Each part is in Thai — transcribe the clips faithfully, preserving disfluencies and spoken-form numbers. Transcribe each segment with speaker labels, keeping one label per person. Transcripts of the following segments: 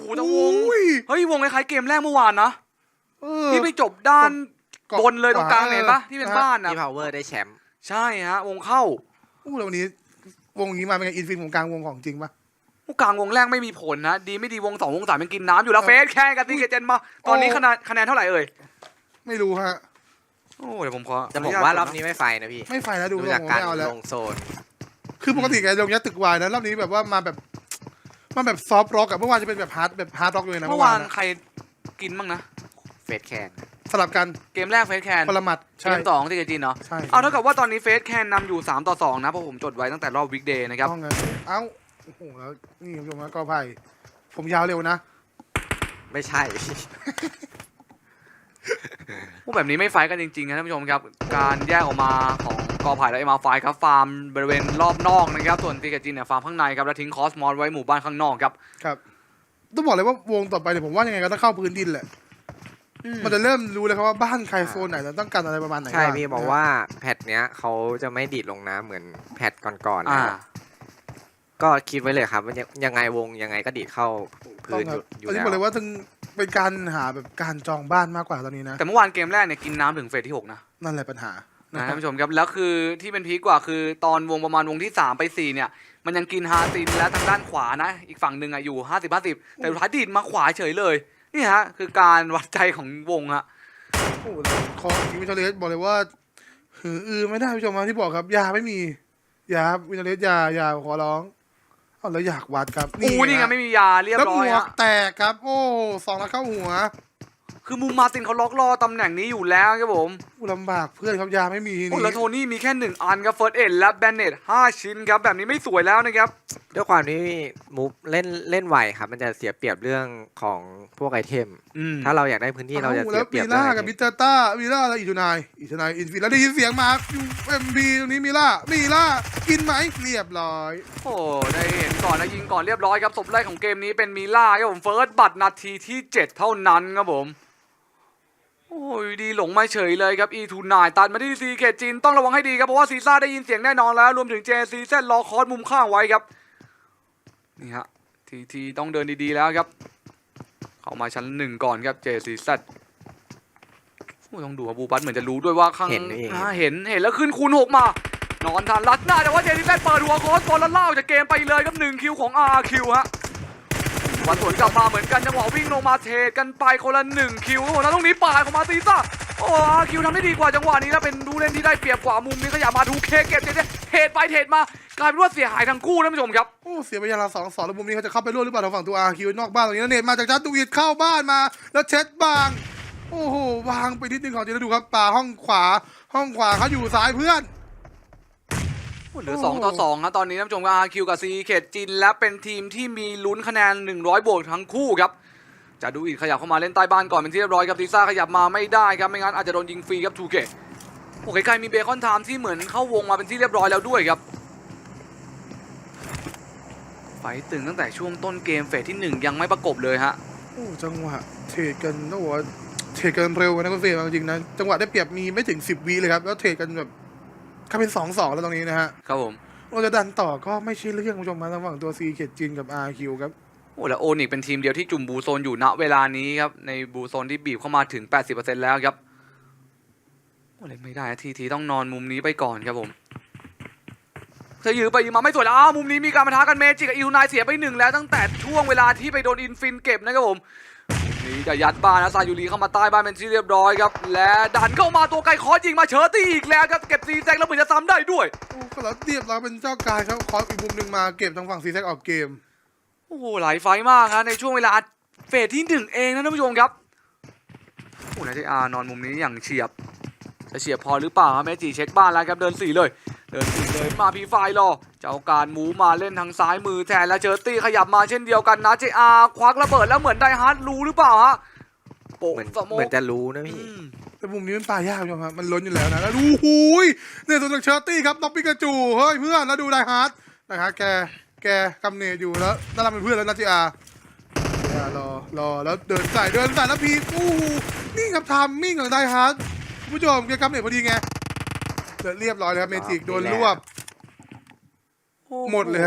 Speaker 1: แต่วงเฮ้ยวงคล้ายๆเกมแรกเมื่อวานนะที่ไปจบด้านบนเลยตรงกลางเห็นปะที่เป็นบ้านนะ
Speaker 2: ที่ power ได้แชมป์
Speaker 1: ใช่ฮะวงเข้า
Speaker 3: อู้แล้ววันนี้วงนี้มาเป็นไงอินฟินวงกลางวงของจริงปะ
Speaker 1: วงกลางวงแรกไม่มีผลนะดีไม่ดีวงสองวงสามยังกินน้ำอยู่แล้วเฟสแค่กับตีเกเจนมาตอนนี้คะแนนคะแนนเท่าไหร่เอ่ย
Speaker 3: ไม่รู้ฮะ
Speaker 1: โอ้เดี๋ยวผมขอ
Speaker 2: จะบอกว่ารอบนี้ไม่ไฟนะพี่
Speaker 3: ไม่ไฟแล้วดู
Speaker 2: จากการลงโซน
Speaker 3: คือปกติแกลงยัดตึกวายนะรอบนี้แบบว่ามาแบบมาแบบซอฟต์ร็อกอะเมื่อวานจะเป็นแบบฮาร์ดแบบฮาร์ดร็อกเลยนะ
Speaker 1: เมื่อวานใครกินบ้างนะ
Speaker 2: เฟสแคน
Speaker 3: สลับกัน
Speaker 1: เกมแรกเฟสแคน
Speaker 3: พลมัด
Speaker 1: เกมสองที่เกจินเนาะเอาเท่ากับว่าตอนนี้เฟสแคนนำอยู่สามต่อสองนะเพราะผมจดไว้ตั้งแต่รอบวิกเดย์นะครับ
Speaker 3: เอ้าโอ้โหแล้วนี่คุณผู้ชมนะก็ไพ่ผมยาวเร็วนะ
Speaker 2: ไม่ใช่
Speaker 1: พวกแบบนี้ไม่ไฟกันจริงๆนะท่านผู้ชมครับการแยกออกมาของกอไผ่และเอ็มอาร์ไฟครับฟาร์มบริเวณรอบนอกนะครับส่วนตีเกจินเนี่ยฟาร์มข้างในครับแล้วทิ้งคอสมอสไว้หมู่บ้านข้างนอกครับ
Speaker 3: ครับต้องบอกเลยว่าวงต่อไปเนี่ยผมว่ายังไงก็ต้องเข้าพื้นดินแหละมันจะเริ่มรู้เลยครับว่าบ้านใครโซนไหนต้องการอะไรประมาณไหน
Speaker 2: ใช่พี่บอกว่าแพทเนี้ยเขาจะไม่ดีดลงน้ำเหมือนแพทก่อนๆนะก็คิดไว้เลยครับว่ายังไงวงยังไงก็ดีดเข้าพื้นอยู่แล้ว
Speaker 3: บอกเลยว่าถึงเป็นการหาแบบการจองบ้านมากกว่าตอนนี้นะ
Speaker 1: แต่เมื่อวานเกมแรกเนี่ยกินน้ำถึงเฟสที่หกนะ
Speaker 3: นั่นแหละปัญหา
Speaker 1: นะท่านผู้ชมครับแล้วคือที่เป็นพีกกว่าคือตอนวงประมาณวงที่สามไปสี่เนี่ยมันยังกินฮาตินและทางด้านขวานะอีกฝั่งหนึ่งอะอยู่ห้าสิบห้าสิบแต่สุดท้ายดีดมาขวาเฉยเลยนี่ฮะคือการวัดใจของวงฮะ
Speaker 3: โอ้คอวินเทอร์เลสบอกเลยว่าหืออือไม่ได้ผู้ชมมาที่บอกครับยาไม่มียาวินเทอร์เลสยายาขอร้องเอาแล้วอยากวัดครับ
Speaker 1: นี่นี่ไงไม่มียาเรียบร้อย
Speaker 3: แล้วหมวกแตกครับโอ้สองนัดเข้าหัว
Speaker 1: คือมูมาตินเขาล็อกล่อตำแหน่งนี้อยู่แล้วครับผม
Speaker 3: ลำบากเพื่อนครับยาไม่มี
Speaker 1: โอ้แล้วโทนี่มีแค่หนึ่งอันครับเฟิร์สเอ็ดและแบนเน็ตห้าชิ้นครับแบบนี้ไม่สวยแล้วนะครับ
Speaker 2: ด้วยความที่มูฟเล่นเล่นไวครับมันจะเสียเปรียบเรื่องของพวกไอเทมถ้าเราอยากได้พื้นที่เราจะเสียเปรียบ
Speaker 3: มีล่ากับมิเตอร์ต้ามีล่าอะไรอีทูนายอีทูนายอินฟินแล้วได้ยินเสียงมาอยู่เอ็มบีตรงนี้มีล่ามีล่ากินไหมเรียบร้อย
Speaker 1: โอ้ได้เห็นก่อนนะยิงก่อนเรียบร้อยครับศพแรกของเกมนี้เป็นมีล่าครับผมเฟิร์สบัตรนาทีที่เจ็ดเท่านั้นครับผมโอ้ยดีหลงมาเฉยเลยครับ อี ทู ไนน์ ตัดมาที่ซีเคจินต้องระวังให้ดีครับเพราะว่าซีซ่าได้ยินเสียงแน่นอนแล้วรวมถึงเจซีเซนรอคอร์สมุมข้างไว้ครับนี่ฮะทีทีต้องเดินดีๆแล้วครับเข้ามาชั้นหนึ่งก่อนครับเจซีเซนต้องดูครับบูบัสเหมือนจะรู้ด้วยว่าข้างเห็นเห็นเห็นแล้วขึ้นคูณหกมานอนทันรัดหน้าแต่ว่าเจซีเซนเปิดหัวโค้ชก่อนแล้วเล่าจากเกมไปเลยครับหนึ่งคิวของ อาร์ คิว ฮะวันสวนกลับมาเหมือนกันจังหวะวิ่งลงมาเทกันไปคนละหนึ่งคิวโอ้โหแล้วตรงนี้ปาดของมาซีซ่าโอ้อาร์คิวทำได้ดีกว่าจังหวะนี้แล้วเป็นดูเล่นที่ได้เปรียบกว่ามุมนี้ขยับมาดูเคเก็บเทเทรดไปเทรดมากลายเป็นว่าเสียหายทั้งคู่ท่านผู้ชมครับ
Speaker 3: โอ้เสียไปยาละสองสองแล้วมุมนี้เขาจะเข้าไปร่วมหรือเปล่าทางฝั่งตัวอาร์คิวนอกบ้านตรงนี้แล้วเนตมาจากจัดตูวิดเข้าบ้านมาแล้วเช็ดบางโอ้โหวางไปนิดนึงก่อนจะได้ดูครับป่าห้องขวาห้องขวาเขาอยู่ซ้ายเพื่อน
Speaker 1: เหลือสองต่อสองครับตอนนี้ท่านผู้ชม อาร์ คิว กับ ซี เค จินและเป็นทีมที่มีลุ้นคะแนนหนึ่งร้อยบวกทั้งคู่ครับจะดูอีกขยับเข้ามาเล่นใต้บ้านก่อนเป็นที่เรียบร้อยครับซีซ่าขยับมาไม่ได้ครับไม่งั้นอาจจะโดนยิงฟรีครับ ทู เค โอ้ใกล้ๆมีเบคอนไทม์ที่เหมือนเข้าวงมาเป็นที่เรียบร้อยแล้วด้วยครับไฟตึงตั้งแต่ช่วงต้นเกมเฟสที่หนึ่งยังไม่ประกบเลยฮะ
Speaker 3: โอ้จังหวะเทรดกันต้องบอกว่าเทรดกันเร็วนะคุณเฟรมจริงๆนะจังหวะได้เปรียบมีไม่ถึงสิบวิเลยครับแล้วเทรดกันแบบก็เป็นสองสองแล้วตรงนี้นะฮะ
Speaker 1: ครับผม
Speaker 3: เราจะดันต่อก็ไม่ใช่เรื่องคุณผู้ชมมาระหว่างตัว ซี เค จินกับ อาร์ คิว ครับ
Speaker 1: โอ้แล้วโอนิกเป็นทีมเดียวที่จุ่มบูโซนอยู่ณเวลานี้ครับในบูโซนที่บีบเข้ามาถึง แปดสิบเปอร์เซ็นต์ แล้วครับโอ้เล่นไม่ได้ทีทีต้องนอนมุมนี้ไปก่อนครับผมเธอยื้อไปยื้อมาไม่สวยแล้วอ้าวมุมนี้มีการปะทะกันเมจิกับอิวนายเสียไปหนึ่งแล้วตั้งแต่ช่วงเวลาที่ไปโดนอินฟินเก็บนะครับผมนี่จะยัดบ้านนะซายูรีเข้ามาใต้บ้านเป็นที่เรียบร้อยครับและดันเข้ามาตัวไกลคอยิงมาเชอร์ตี้อีกแล้วครับเก็บซีแซกแล้วเหมือนจะซ้ำได้ด้วย
Speaker 3: โอ้ก็แล้วเรียบร้อยเป็นเจ้าการครับคออีกมุมหนึ่งมาเก็บทางฝั่งซีแซกออกเกม
Speaker 1: โอ้โหหลายไฟมากนะในช่วงเวลาเฟสที่หนึ่งเองนะท่านผู้ชมครับโอ้นายเจอานอนมุมนี้อย่างเฉียบจะเฉียบพอหรือเปล่าเมจิเช็คบ้านแล้วครับเดินสี่เลยเดินสี่เลยมาพีไฟรอเจ้าการมูมาเล่นทางซ้ายมือแทนแล้วเจอตี้ขยับมาเช่นเดียวกันนะเจอาควักระเบิดแล้วเหมือนไดฮาร์ดรู้หรือเปล่าฮะ
Speaker 2: เหมือนเหมือนจะรู้นะพี่
Speaker 3: แต่มุมนี้มันปลายากครับมันล้นอยู่แล้วนะแล้วดูหูยเนี่ยตัวจากเชอร์ตี้ครับน้องปิกาจูเฮ้ยเพื่อนแล้วดูไดฮาร์ดไดฮาร์ดแกแกกำเนิดอยู่แล้วน่ารักเป็นเพื่อนแล้วนะเจอารอรอแล้วเดินใส่เดินใส่แล้วพีอู้นี่ครับทามมิ่งของไดฮาร์ดผู้ชมแกกำเนิดพอดีไงเรียบร้อยเลยครับเมจิกโดนรวบหมดเลยครับจบ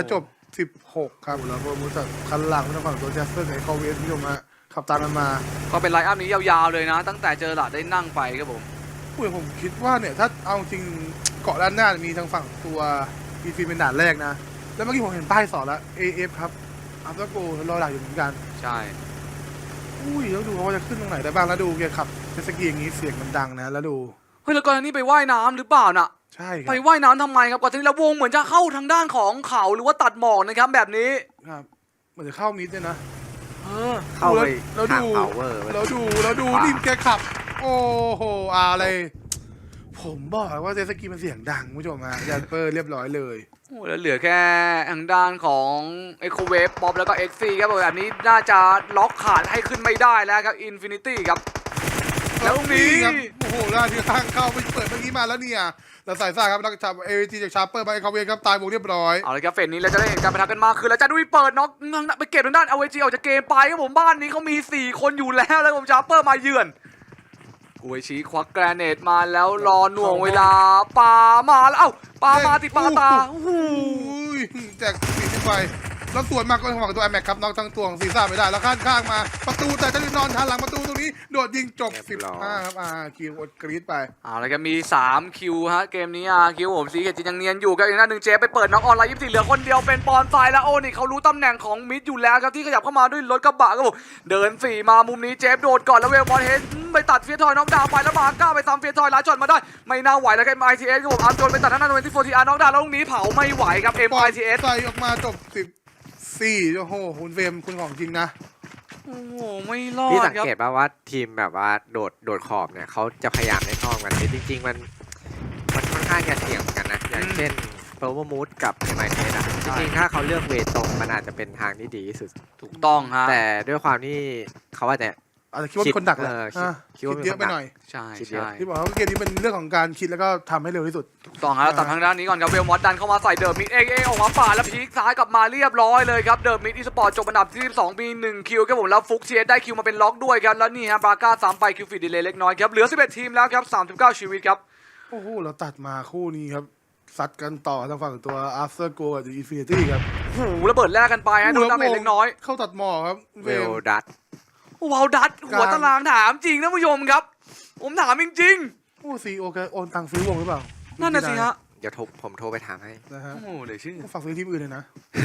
Speaker 3: สิบหกครับแล้วก็มูสัคันหลังทางฝั่งตัวแจ็คสันกับคอเวนที่ลงมาขับตามกันมา
Speaker 1: ก็เป็นไลน์อัพนี้ยาวๆเลยนะ ตั้งแต่เจอหลาดได้นั่งไปครับผม
Speaker 3: อุ้ยผมคิดว่าเนี่ยถ้าเอาจริงเกาะด้านหน้ามีทางฝั่งตัวอีฟีเป็นด่านแรกนะแล้วเมื่อกี้ผมเห็นป้ายสอนแล้ว เอ เอฟ ครับอัพตะโกรอหลักอยู่เหมือนกัน
Speaker 1: ใช่
Speaker 3: อุ้ยแล้วดูเขาจะขึ้นตรงไหนได้บ้างแล้วดูแกขับเจตสกีอย่างนี้เสียงมันดังนะแล้วดู
Speaker 1: เฮ้ยแล้วก่อนหน้านี้ไปว่ายน้ำหรือเปล่าน่ะ
Speaker 3: ใช่ค
Speaker 1: ไป
Speaker 3: รับ
Speaker 1: ว่ายน้ำทำไมครับก่อนที่แล้ววงเหมือนจะเข้าทางด้านของเขาหรือว่าตัดหมอกนะครับแบบนี้
Speaker 3: ครับเหมือนจะเข้ามิดเนี่ยนะ
Speaker 1: เออ
Speaker 2: เข้าไป
Speaker 3: แล้ว
Speaker 2: ทาง
Speaker 3: ดู
Speaker 2: พาวเวอร์
Speaker 3: แล้วดูแล้วดู
Speaker 2: ขวา
Speaker 3: นี่แกขับ โอ้โหอะไร ผมบอกแล้วว่าเจตสกีมันเสียงดังคุณผู้ชมฮะยันเปอร์เรียบร้อยเลย
Speaker 1: โอ้แล้วเหลือแค่ทางด้านของเอ o เวฟป๊อปแล้วก็ เอ็กซ์ ซี ครับผมแบบนี้น่าจะล็อกขาดให้ขึ้นไม่ได้แล้วครับ Infinity ครับ แล้วตรงนี้
Speaker 3: ครับโอ้โหได้ที่ข้างเข้าไปเปิดเมื่อกี้มาแล้วเนี่ยแล้วสายซ่าครับนักจับเอวีจีจากชาร์เปอร์ไปเขาเวนครับตายวงเรียบร้อย
Speaker 1: เอาเลยครับเฟสนี้เราจะได้เห็นการประทะกันมากขึ้นแล้วจะดุยเปิดน็อกไปเก็บทางด้านเอาเวจีออกจากเกมไปครับผมบ้านนี้เขามีสี่คนอยู่แล้วแล้วผมชาร์เปอร์มาเยือนกุยชีควักแกรเนตมาแล้วรอหน่วงเวลาปามาแล้วเอ้าปามาติดปาตาโอ้โห
Speaker 3: อุ้ยแจกสีขึ้นไปแล้วสวนมาก็ทางฝั่งตัวไอแม็กครับน็อกทั้งตัวของซีซ่าไม่ได้แล้วข้างข้างมาประตูแต่จะนอนทันหลังประตูตรงนี้โดดยิงจบสิบห้าครับอ่าคิวอดกรีดไป
Speaker 1: เอาเลยครับมีสามคิวฮะเกมนี้อ่ะคิวผมซีเกจินยังเนียนอยู่ครับอีกหน้าหนึ่งเจไปเปิดน็อกออนไลน์ยี่สิบสี่เหลือคนเดียวเป็นปอนไซแล้วโอ้นี่เขารู้ตำแหน่งของมิดอยู่แล้วครับที่ขยับเข้ามาด้วยรถกระบะครับผมเดินสี่มามุมนี้เจฟโดดก่อนแล้วเวลบอลเฮดไปตัดเฟียทอยน็อกดาวน์ไปแล้วมาก้าไปตามเฟียทอยล้าจอดมาได้ไม่น่าไหวแล้วครับ เอ็ม ไอ ที เอสครับผมอาร์มโจนไปตัดทางด้านเวนตี้โฟร์ทีอาร์น็อกดาวน์แล้วตรงนี้เผาไม่ไหวครับ เอ็ม ไอ ที เอส
Speaker 3: ใส่ออกมาจบสิบสี่โอ้โหคุณเฟรมคุณของจริงนะ
Speaker 1: โอ้โหไม่รอ
Speaker 2: พี่
Speaker 1: ด
Speaker 2: สัง
Speaker 1: ครับ
Speaker 2: เกตป่าว่าทีมแบบว่าโดดโดดขอบเนี่ยเขาจะพยายามเล่นนอกกันแต่จริง ๆ มันมันค่อนข้างจะเสี่ยงเหมือนกันนะ อย่างเช่นเ o อร์มูดกับเอ็มไอเทสอะจริงๆถ้าเขาเลือกเวทตรงมันอาจจะเป็นทางที่ดีที่สุด
Speaker 1: ถูกต้องฮะ
Speaker 2: แต่ด้วยความที่เขาอาจจะ
Speaker 3: อาจจะคิดว่าเป็นคนดักแหละ
Speaker 2: เออคิด
Speaker 3: อ่ะ
Speaker 2: คิดว่า
Speaker 3: คิดเยอะ
Speaker 2: เป็นคนดัก
Speaker 3: ไปหน่อย
Speaker 1: ใช่
Speaker 2: คิดเยอะ
Speaker 1: ใช่
Speaker 3: ที่บอกว่าเกมนี้เป็นเรื่องของการคิดแล้วก็ทำให้เร็วที่สุด
Speaker 1: ถูกต้องฮะแล้วตัดทางด้านนี้ก่อนครับเวลมอสดันเข้ามาใส่เดิมมิดเองเองออกมาป่าดแล้วพีคซ้ายกลับมาเรียบร้อยเลยครับเดิมมิดอีสปอร์ตจบอันดับที่สิบสองมีหนึ่งคิวครับผมแล้วฟุกเชียได้คิวมาเป็นล็อกด้วยครับแล้วนี่ฮะบราก้าสามไปคิวฟีดดีเลยเล็กน้อยครับเหลือสิบเอ็ดทีมแล้วครับสามสิบเก้าชีวิตครับ
Speaker 3: โอ้โหเราตัดมาคู่นี้ครับซัดกันต่อทางฝั่งตัว After Go กับ Infinity ครับ
Speaker 1: โอ้โหระเบิดแรกกันไปฮะโดนดาเมจเล็กน้อย
Speaker 3: เข้าตัดหมอครับ
Speaker 2: เวลดัต
Speaker 1: ว้าวดัดหัวตารางถามจริงนะผู้ชมครับ ผมถามจริง
Speaker 3: โอ้ซีโอแกโอนตังค์ซื้อวงหรือเปล่า
Speaker 1: ๆนั่นน่ะสิฮะ
Speaker 2: เดี๋ยวโทรผมโทรไปถามให้
Speaker 3: นะฮะ
Speaker 1: โอ้โหเลยชื่อ
Speaker 3: ก็ฝากซื้อทีมอื่นเลยนะ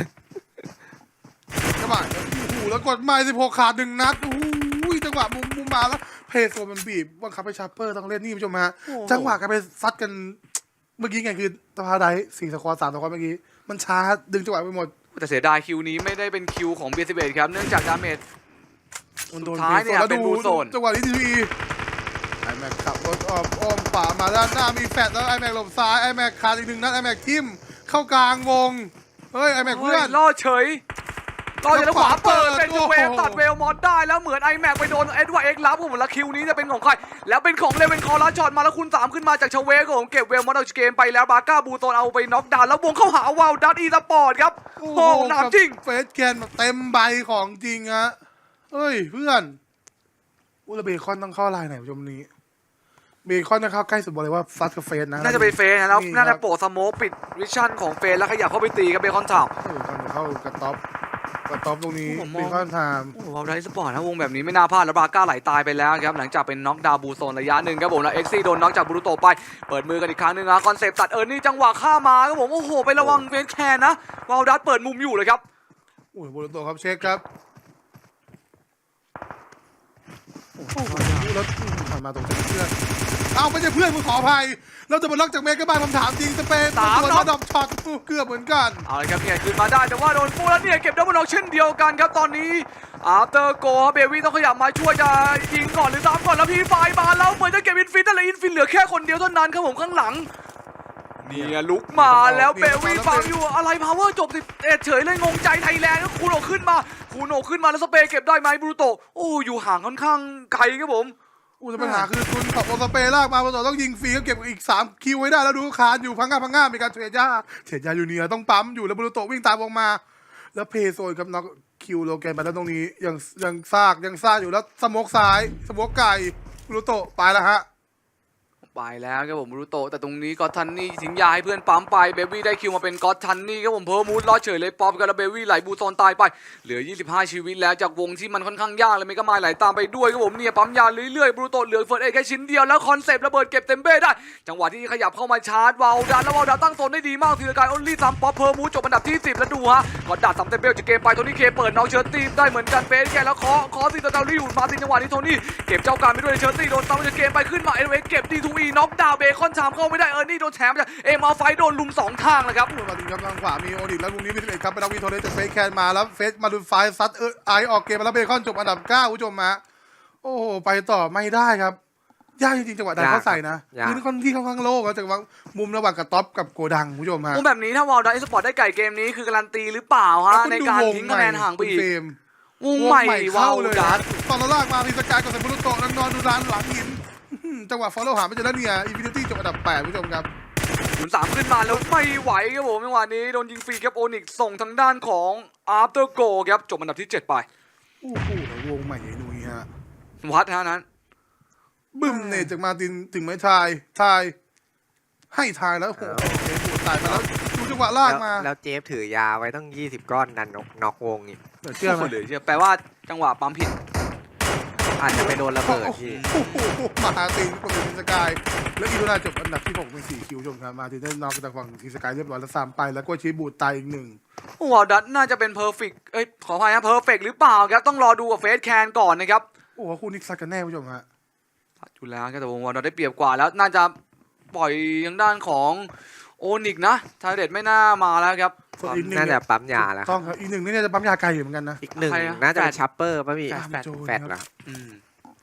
Speaker 3: จังหวะโอ้โหแล้วกดไม้สิบหกขาดหนึ่งนัดโอ้โหจังหวะมุมมุมมาแล้วเพย์โซมันบีบบังคับให้ชาร์เปอร์ต้องเล่นนี่ผู้ชมฮะ
Speaker 1: โอ้โห
Speaker 3: จังหวะกันไปซัดกันเมื่อกี้ไงคือตะพาไดสี่สควอตสามสควอตเมื่อกี้มันช้าดึงจังหวะไปหมด
Speaker 1: แต่เสียดายคิวนี้ไม่ได้เป็นคิวของเบียร์สิบเอ็ดครับเนื่องจากดาเมจ
Speaker 3: มันโดน
Speaker 1: สุดท้ายเนี่ย
Speaker 3: แล้ว
Speaker 1: เป็น
Speaker 3: ดู
Speaker 1: บูโซน
Speaker 3: จังหวะนี้ทีวีไอแม็กขับรถอ้อมอ้อมป่ามาด้านหน้ามีแฟดแล้วไอแม็กหลบซ้ายไอแม็กขาดอีกหนึ่งนัดไอแม็กทิมเข้ากลางวงเฮ้ยไอแม็ก
Speaker 1: เฮ้
Speaker 3: เพื่
Speaker 1: ย
Speaker 3: อน
Speaker 1: รอดเฉยรอดเฉยแล้วขวาเปิดเป็น
Speaker 3: โอ้โห
Speaker 1: เวลตัดเวลมอสได้แล้วเหมือนไอแม็กไปโดนเอ็ดวาร์ดเอ็กซ์รับผมแล้วคิวนี้จะเป็นของใครแล้วเป็นของเลเวนคอร์ลาจอดมาแล้วคุณสามขึ้นมาจากชเวกผมเก็บเวลมอสเอาเกมไปแล้วบาก้าบูโตนเอาไปน็อกดาวน์แล้ววงเข้าหาวาวดัตอีสปอร์ตครับโอ้โหหนามจริง
Speaker 3: เฟสแกนเต็มใบของจริงฮะเฮ้ยเพื่อนอุลเบคอนต้องเข้าลายไหนผู้ชมนี้เบคอนจะเข้าใกล้สุดบอกเลยว่าซัดกับเฟสนะ
Speaker 1: น่าจะเป็นเฟสนะแล้ว
Speaker 3: นี่
Speaker 1: น่า
Speaker 3: ครั
Speaker 1: จะ
Speaker 3: บ
Speaker 1: โปะสโมกปิดวิชั่นของเฟสแล้วขยับเข้าไปตีกับเบคอนทาวน์
Speaker 3: เออคนเข้ากระต๊อบกระต๊อบตรงนี้
Speaker 1: ผมม
Speaker 3: เบ
Speaker 1: อง
Speaker 3: คอนไทม์
Speaker 1: โอ้โหวาวดัตอีสปอร์ตนะวงแบบนี้ไม่น่าพลาดแล้วบาก้าไหลตายไปแล้วครับหลังจากเป็นน็อกดาวน์บูโซนระยะหนึ่งครับผมแล้วเอ็กซี่โดนน็อกจากบรูโตไปเปิดมือกันอีกครั้งหนึ่งนะคอนเซปต์ตัดเออร์นี่จังหวะข้ามมาครับผมโอ้โหไประวังเฟสแคนนะวาวดัตเปิดมุมอยู่เลยครับ
Speaker 3: โอ้ยโบโลโตครับเช็คครับโอ้โหแล้วผ่านมาตรงเพื่อนเอาไม่ใช่เพื่อนมึงขออภัยเราจะมาล็อกจากเมกะบ้านผมถามจริงสเปน
Speaker 1: สาม
Speaker 3: ตัว
Speaker 1: น็อก
Speaker 3: ดอกช็อตเกือบเหมือนกัน
Speaker 1: เอาเลยครับเนี่ยคืนมาได้แต่ว่าโดนฟูแล้วเนี่ยเก็บดับเบิลน็อกเช่นเดียวกันครับตอนนี้อาร์เตอร์โกเบวี่ต้องขยับมาช่วยจะยิงก่อนหรือตามก่อนแล้วพี่ไฟมาแล้วเหมือนจะเก็บอินฟินแต่ละอินฟินเหลือแค่คนเดียวเท่านั้นครับผมข้างหลังเนี่ยลุกมาแล้วเบวี่ฟังอยู่อะไรพาวเวอร์จบสิบเอ็ดเฉยเลยงงใจไทยแลนด์แล้วคูโนขึ้นมาคูโนขึ้นมาแล้วสเปย์เก็บได้ไหมบรูโตโอ้อยู่ห่างค่อนข้างไกลครับผม
Speaker 3: อู้แต่ปัญหาคือคุณขับโอสเปลากมาโอสต้องยิงฟรีก็เก็บอีกสามคิวไว้ได้แล้วดูคานอยู่พังงาพังงามีการเทรดยาเทรดยาอยู่เนี่ยต้องปั๊มอยู่แล้วบรูโตวิ่งตามวงมา แล้วเพย์โซนกับน็อกคิวโลแกนไปแล้วตรงนี้ยังยังซากยังซากอยู่แล้วสโมกซ้ายสโมกไก่บรูโตไปแล้วฮะ
Speaker 1: ไปแล้วครับผมบรูโตแต่ตรงนี้ก็อตทันนี่ทิ้งยาให้เพื่อนปั๊มไปเบบี้ได้คิวมาเป็นก็อตทันนี่ครับผมเพอร์มูดรอดเฉยเลยป๊อปกับเบบี้ไหลบูซอนตายไปเหลือยี่สิบห้าชีวิตแล้วจากวงที่มันค่อนข้างยากเลยไม่ก็มาไหลตามไปด้วยครับผมเนี่ยปั๊มยาเรื่อยๆบรูโตเหลือเฟิร์สเอแค่ชิ้นเดียวแล้วคอนเซปต์ระเบิดเก็บเต็มเบ้ได้จังหวะที่ขยับเข้ามาชาร์จวาลดันแล้ววาลดันตั้งโซนได้ดีมากทีละการออลลี่ซ้ำป๊อปเพอร์มูดจบอันดับที่สิบแล้วดูฮะก็ดัดซ้ำเต็มเบ้จากเกมไปโทนี่เคเปิดน้องเชิร์ตีได้เหมือนกันเฟสแกแล้วเคาะเคาะตีตะเตาลี่อยู่มาตินจังหวะนี้โทนี่เก็บเจ้าการไปด้วยเชิร์ตีโดนซ้ำจากเกมไปขึ้นมาเอเวเก็บดีทูอีน็อกดาวเบคอนชามเข้าไม่ได้เออร์นี่โดนแถมจากเอ็มอาร์ไฟโดนลุมสองทางเลยครับ
Speaker 3: มาถึงกำลังขวามีโอดิกแล้ววงนี้มีสิบเอ็ดครับเป็นนักวินโทเรสจากเฟสแคนมาแล้วเฟสมาดูไฟซัดเออไอออกเกมมาแล้วเบคอนจบอันดับเก้าผู้ชมมาโอ้โหไปต่อไม่ได้ครับยากจริงๆจังหวะดันเข้าใส่นะพื้นค่อนที่ค่อนข้างโล่งแล้วจากว่ามุมระหว่างกับท็อปกับโกดังผู้ชมฮะ
Speaker 1: มุมแบบนี้ถ้าวอลดัสสปอร์ตได้ไก่เกมนี้คือการันตีหรือเปล่าฮะในการทิ้งคะแนนห่างไปอีกวงใหม่วอลดัส
Speaker 3: ตอนเราลากมามีสกายกับเซมบุรุโตะแล้วนอนดูร้านหลังหินจังหวะฟอลโล่หาไม่เจอแล้วเนี่ยอินฟินิตี้จบอันดับแปดผู้ชมครับ
Speaker 1: ศูนย์สามขึ้นมาแล้วไม่ไหวครับผมจังหวะนี้โดนยิงฟรีครับโอนิกส่งทางด้านของอาร์เตอร์โกครับจบอันดับที่เจ็ดไป
Speaker 3: โอ้โหวงใหม่ไอ้นุ้ยฮะ
Speaker 1: วัดฮะนั้น
Speaker 3: บึ้มเนตจากมาตินถึงไม้ทายทายให้ทายแล้วโอ้โหเอ็นปวดตายไปแล้วดูจังหวะลากมา
Speaker 2: แล้วเจฟถือยาไว้ต้องยี่สิบก้อนดันน็อกวงอีก
Speaker 3: เดี๋ยวเชื่อไหม
Speaker 1: เลยเชื่อแปลว่าจังหวะปั๊มผิด
Speaker 2: อาจจะไปโดนระเบิดที่
Speaker 3: โอ้โหมาตินกดเป็นสกายแล้วอีโดนาจบอันดับที่หกเป็นสี่คิวชมครับมาตินได้น็อกจากฝั่งทีสกายเรียบร้อยแล้วสามไปแล้วก็ชีบูดตายอีกหนึ่ง
Speaker 1: วอลดัสน่าจะเป็นเพอร์เฟกเอ้ยขออภัยนะเพอร์เฟกหรือเปล่าครับต้องรอดูกับเฟสแคนก่อนนะครับ
Speaker 3: โอ้โหคู่นี้ซัดกันแน่ผู้ชมฮะ
Speaker 1: อยู่แล้วครับแต่วงวอลดัสได้เปรียบกว่าแล้วน่าจะปล่อยทางด้านของโอนิกนะทาร์เดตไม่น่ามาแล้วครับ
Speaker 3: ส่วนอีกหนึ่ง
Speaker 2: น่าจะปั๊มยาแล้ว
Speaker 3: ต้องครับอีกหนึ่งนี่เนี่ยจะปั๊มยาไกลอยู่เหมือนกันนะ
Speaker 2: อีกหนึ่ง
Speaker 1: ใครอะ
Speaker 2: น่าจะเป็น
Speaker 1: แฟด
Speaker 2: ชัปเปอร์ป่ะพี่
Speaker 3: แฟด
Speaker 2: แฟดเหรอ
Speaker 1: อืม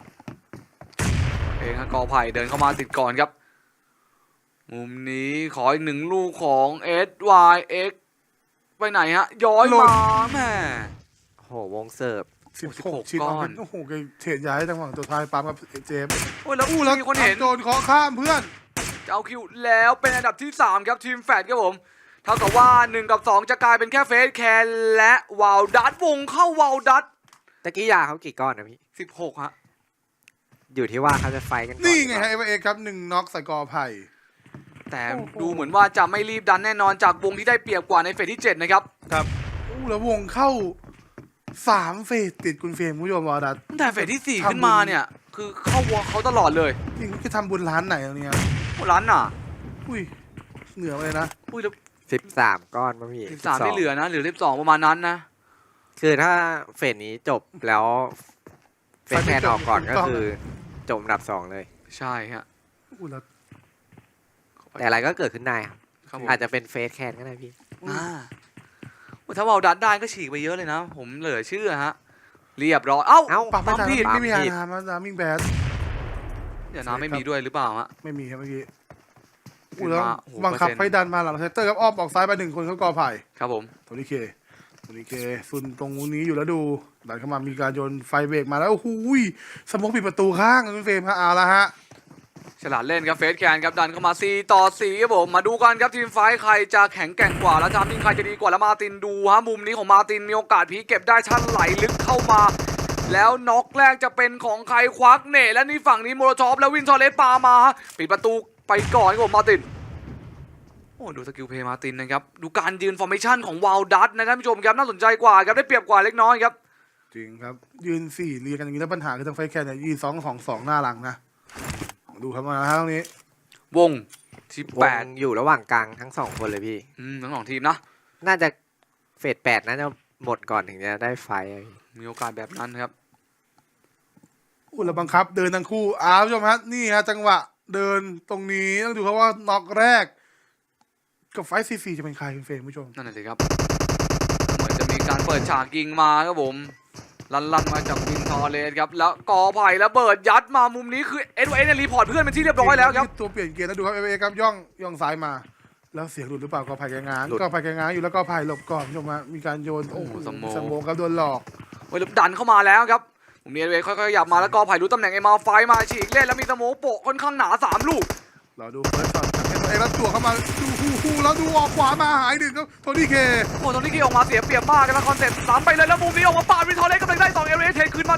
Speaker 1: เองครับกอไผ่เดินเข้ามาติดก่อนครับ มุมนี้ขออีกหนึ่งลูกของ เอส วาย เอ็กซ์ ไปไหนฮะ ย้อยมาแม่
Speaker 2: โหวงเสิร์ฟ
Speaker 3: สิบ
Speaker 1: สิบ
Speaker 3: ห
Speaker 1: ห
Speaker 3: ก
Speaker 1: ก
Speaker 3: ชิ้น
Speaker 1: ก้อน
Speaker 3: โอ้โหแกเทรดย้ายจังหวะตัวท้ายปั๊มกับเจมส์
Speaker 1: โอ้ยแล้ว
Speaker 3: อู้แล้ว
Speaker 1: มีคนเห็น
Speaker 3: โดนเคาะข้ามเพื่อน
Speaker 1: จะเอาคิวแล้วเป็นอันดับที่สามครับทีมแฟดครับผม เท่ากับว่าหนึ่งกับสองจะกลายเป็นแค่เฟสแคนและวาวดัตวงเข้าวาวดัต
Speaker 2: ตะกี้ยาเขากี่ก้อนนะพี่
Speaker 1: สิบหกฮะ
Speaker 2: อยู่ที่ว่าเขาจะไฟกันก่อ
Speaker 3: นี่ไงฮะเอเวอเอ็กครับหนึ่งน็อกใส่กอไผ่
Speaker 1: แต่
Speaker 3: โอ้โห
Speaker 1: ดูเหมือนว่าจะไม่รีบดันแน่นอนจากวงที่ได้เปรียบกว่าในเฟสที่เจ็ดนะครับ
Speaker 3: ครับอู้แล้ววงเข้าสามเฟสติดคุณเฟรมคุณผู้ชมวอดัด
Speaker 1: ตั้งแต่เฟสที่สี่ขึ้นมาเนี่ยคือเข้าวงเขาตลอดเลย
Speaker 3: จริงจะทำบุญร้านไหนตรงนี้
Speaker 1: โอ้ร้านน่ะ
Speaker 3: อุ้ยเหนือไปเลยนะ
Speaker 1: อุ้ยแล้ว
Speaker 2: สิบสามก้อนป่ะพี่
Speaker 1: สิบสามไม่เหลือนะเหลือสิบสองประมาณนั้นนะ
Speaker 2: คือถ้าเฟสนี้จบแล้วเฟสแคนออกก่อนก็คือจบอันดับสองเลย
Speaker 1: ใช่ฮะ
Speaker 3: อู้แล้ว
Speaker 2: แต่อะไรก็เกิดขึ้นได้ครับ
Speaker 1: ครับผม
Speaker 2: อาจจะเป็นเฟสแคนก็ได้พี่
Speaker 1: อ่าโอ้ถ้าวาวดัตได้ก็ฉีกไปเยอะเลยนะ ผมเหลือเชื่อฮะเรียบร้อยเอ้า
Speaker 2: เอ้า
Speaker 3: ปรับไม่
Speaker 1: ปั๊ม
Speaker 3: ทัน
Speaker 1: ผิด
Speaker 3: ไม่มี
Speaker 2: ปั๊
Speaker 3: ฮาม
Speaker 2: ผิด
Speaker 3: นามานามิงแบด
Speaker 1: เดี๋ยวนะไม่มีด้วยหรือเปล่าฮะ
Speaker 3: ไม่มีครับเมื่อกี้
Speaker 1: ขึ้
Speaker 3: อู้
Speaker 1: น
Speaker 3: แล้ว
Speaker 1: มาโอ้โห
Speaker 3: บังคับ
Speaker 1: เปอร์เซ็นต์
Speaker 3: ให้ดันมาหลังเซตเตอร์ครับอ้อมออกซ้ายไปหนึ่งคนเขากอไผ่
Speaker 1: ครับผม
Speaker 3: โทนี่เคโทนี่เคซุนตรงนี้อยู่แล้วดูดันเข้ามามีการโยนไฟเบรกมาแล้วโอ้โหยสโมกปิดประตูข้างคุณเฟรมฮะเอาละฮะ
Speaker 1: ฉลาดเล่นครับเฟสแคนครับดันเข้ามาสี่ต่อสี่ครับผมมาดูกันครับทีมไฟท์ใครจะแข็งแกร่งกว่าแล้วทำทีมใครจะดีกว่าแล้วมาร์ตินดูฮะมุมนี้ของมาร์ตินมีโอกาสพีคเก็บได้ชั้นไหลลึกเข้ามา แล้วน็อกแรกจะเป็นของใครควักเน่และนี่ฝั่งนี้โมโรชอปแล้ววินทอเลสปามาฮะปิดประตูไปก่อนครับผมมาร์ตินโอ้ดูสกิลเพย์มาร์ตินนะครับดูการยืนฟอร์เมชั่นของวาลดัตนะท่านผู้ชมครับน่าสนใจกว่าครับได้เปรียบกว่าเล็กน้อยครับ
Speaker 3: จริงครับ ยืนสี่เรียงกันอย่างนี้แล้วปัญหาคือทางไฟแคนเนี่ยยืนสองสองสองหน้าหลังนะดูครับมาฮะตรงนี้
Speaker 1: วงที่
Speaker 2: ว
Speaker 1: แปด
Speaker 2: งอยู่ระหว่างกลางทั้งสองคนเลยพี่
Speaker 1: อืมทั้งสองทีมนะ
Speaker 2: น่าจะเฟสแปดน่าจะหมดก่อนถึงจะได้ไฟอะพี่
Speaker 1: มีโอกาสแบบนั้นครับ
Speaker 3: อู้แล้วบังคับเดินทั้งคู่อ้าวผู้ชมฮะนี่ฮะจังหวะเดินตรงนี้ต้องดูครับว่าน็อกแรก กับไฟซีซีจะเป็นใครคุณเฟรมผู้ชม
Speaker 1: นั่นแหละสิครับเหมือนจะมีการเปิดฉากยิงมาครับผมลันลันมาจากวินทอร์เลสครับแล้วกอไผ่ระเบิดยัดมามุมนี้คือเอ็ดเอ็นเนี่ยรีพอร์ตเพื่อนเป็นที่เรียบร้อยแล้วครับ
Speaker 3: ตัวเปลี่ยนเกียร์แล้วดูครับเอเอครับย่องย่องซ้ายมา แล้วเสียงหลุดหรือเปล่าก็ไผ่แกง้างก็ไผ่แกง้างอยู่แล้วก็ไผ่หลบก่อนผู้ชมฮะมีการโยนโอ้โหสมองครับโดนหลอก
Speaker 1: เวลาดันเข้ามาแล้วครับผมเนียนเวค่อยๆขยับมาแล้วกอไผ่รู้ตำแหน่งเอ็มอาร์ไฟมาฉีกเล่นแล้วมีสโมกโปะค่อนข้างหนาสามลูก
Speaker 3: เราดูเฟิร์สช็อตจากเอเอแล้วจั่วเข้ามาดูฮูฮูแล้วดูออกขวามาหายหนึ่งครับโทนี่เค
Speaker 1: โอ้ตอนนี้กีออกมาเสียเปรียบมากกันแล้วคอนเซ็ปต์สามไปเลยแล้วมุมนี้ออกมาปาดวินทอร์เลสกำลังได้สองเอเรเทคืนมาได้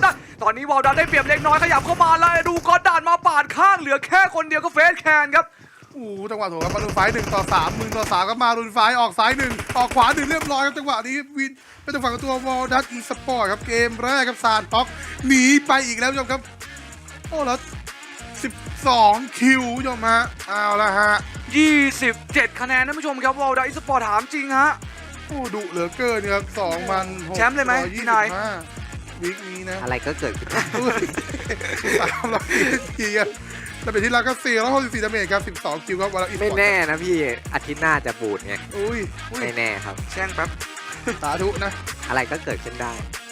Speaker 1: ตอนนี้วอลดันได้เปรียบเล็กน้อยขยับเข้ามาแล้วดูก็ด่านมาปาดข้างเหลือแค่คนเดียวก็เฟสแคนครับ
Speaker 3: โอ้โหจังหวะโถครับมารุนไฟหนึ่งต่อสามมึงต่อสามก็มารุนไฟออกซ้ายหนึ่งออกขวาหนึ่งเรียบร้อยครับจังหวะนี้วินเป็นจังหวะของตัววอลดัสอีสปอร์ตครับเกมแรกครับซานท็อกหนีไปอีกแล้วผู้ชมครับโอ้แล้วสิบสองคิวผู้ชมฮะเอาละฮะ
Speaker 1: ยี่สิบเจ็ด คะแนนท่านผู้ชมครับวอลดันอีสปอร์ตถามจริงฮะ
Speaker 3: โอ้ดุเหลือเกินครับสองพันหก
Speaker 1: แชมป์เลยไหมพี่นาย
Speaker 3: วิกนี้นะ
Speaker 2: อะไรก็เกิดขึ้นได้
Speaker 3: สามร้อยทีครับแล้วเป็นที่เราก็สี่ร้อยหกสิบสี่ดาเมจครับสิบสองคิวครับวอลอีสปอร์ต
Speaker 2: ไม่แน่นะพี่อาทิตย์หน้าจะบูดไง
Speaker 3: อุ้ยอุ้ย
Speaker 2: ไม่แน่ครับ
Speaker 1: แช่งแป๊บ
Speaker 3: สาธุนะ
Speaker 2: อะไรก็เกิดขึ้นได้